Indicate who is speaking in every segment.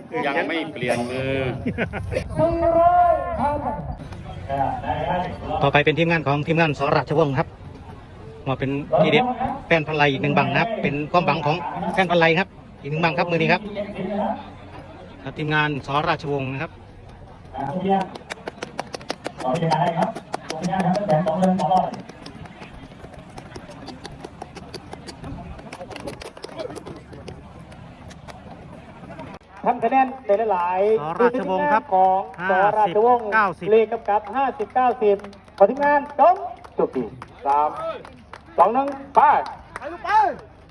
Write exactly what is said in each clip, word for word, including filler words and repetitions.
Speaker 1: ยังไม่เปลี่ยนมือ
Speaker 2: ต่อไปเป็นทีมงานของทีมงานสราชวงศ์ครับมาเป็นทีเด็ดแฟนพันไลอีกหนึ่งบังนะครับเป็นความหวังของแฟนพันไลครับอีกหนึ่งบังครับมือนี้ครับทีมงานสราชวงศ์นะครับ
Speaker 3: ทำคะแนนได้หลายๆ
Speaker 2: สราชวงศ์ครับ
Speaker 3: ของสราชวงศ์
Speaker 2: เก้าสิบ
Speaker 3: เลขกำกับห้าสิบเก้าสิบขอทีมงานจงจุดที่สามสองหนึ่งไปไปลูกไป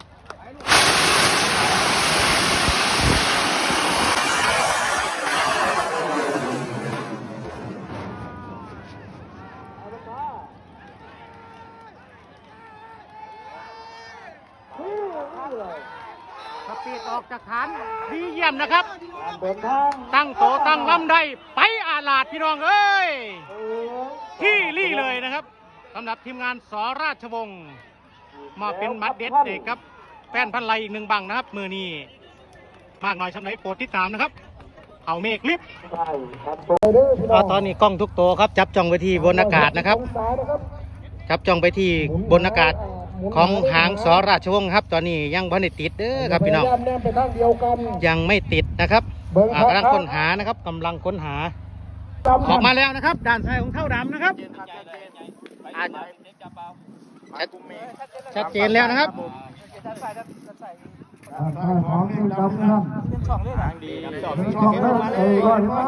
Speaker 2: สปีดออกจากฐานดีเยี่ยมนะครับ
Speaker 3: เดินทาง
Speaker 2: ตั้งโตตั้งลำได้ไปอาลาดพี่น้องเอ้ยที่รี่เลยนะครับสำหรับทีมงานสราชวงศ์มาเป็นมัดเด็ดเด็กครับแฟนพันไลอีกหนึ่งบังนะครับมือนี้มากหน่อยสำหรับโปรดติดตามนะครับเอาเมฆลิฟตอนนี้กล้องทุกตัวครับจับจ้องไปที่บนอากาศนะครับจับจ้องไปที่บนอากาศของหางสราชวงศ์ครับตอนนี้ยังพันติดเด้อครับพี่น้องยังไม่ติดนะครับกำลังค้นหานะครับกำลังค้นหาออกมาแล้วนะครับด่านซ้ายของเท่าดำนะครับชัดเจนแล้วนะครับ
Speaker 3: ของที่ดำนะครับช่องได้เอ้ยก่อนนะ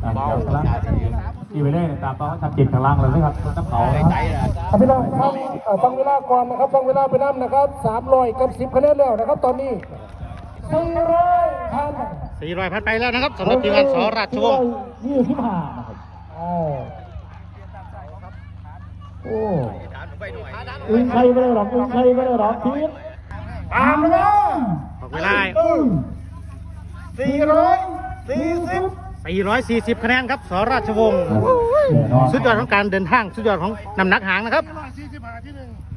Speaker 3: ที่ไปได้ตามต้องชัดเจนข้างล่างเลยนะครับต้องเขาพี่น้องครับฟังเวลาก่อนนะครับฟังเวลาไปน้ำนะครับสามร้อยกับสิบคะแนนแล้วนะครับตอนนี้สี่ร้อยพัน
Speaker 2: สี่ร้อยพันไปแล้วนะครับสำหรับทีมงานสราชวงศ์
Speaker 3: ยี่สิบห้านะครับโอ้อึ้งใครไม่ได้หรอกอึ้งใครไม่ได้หรอกทีมตามเลยนะ
Speaker 2: บอกเวลา
Speaker 3: สี่ร้อยสี่สิบ
Speaker 2: สี่ร้อยสี่สิบคะแนนครับสราชวงศ์สุดยอดของการเดินทางสุดยอดของน้ำหนักหางนะครับ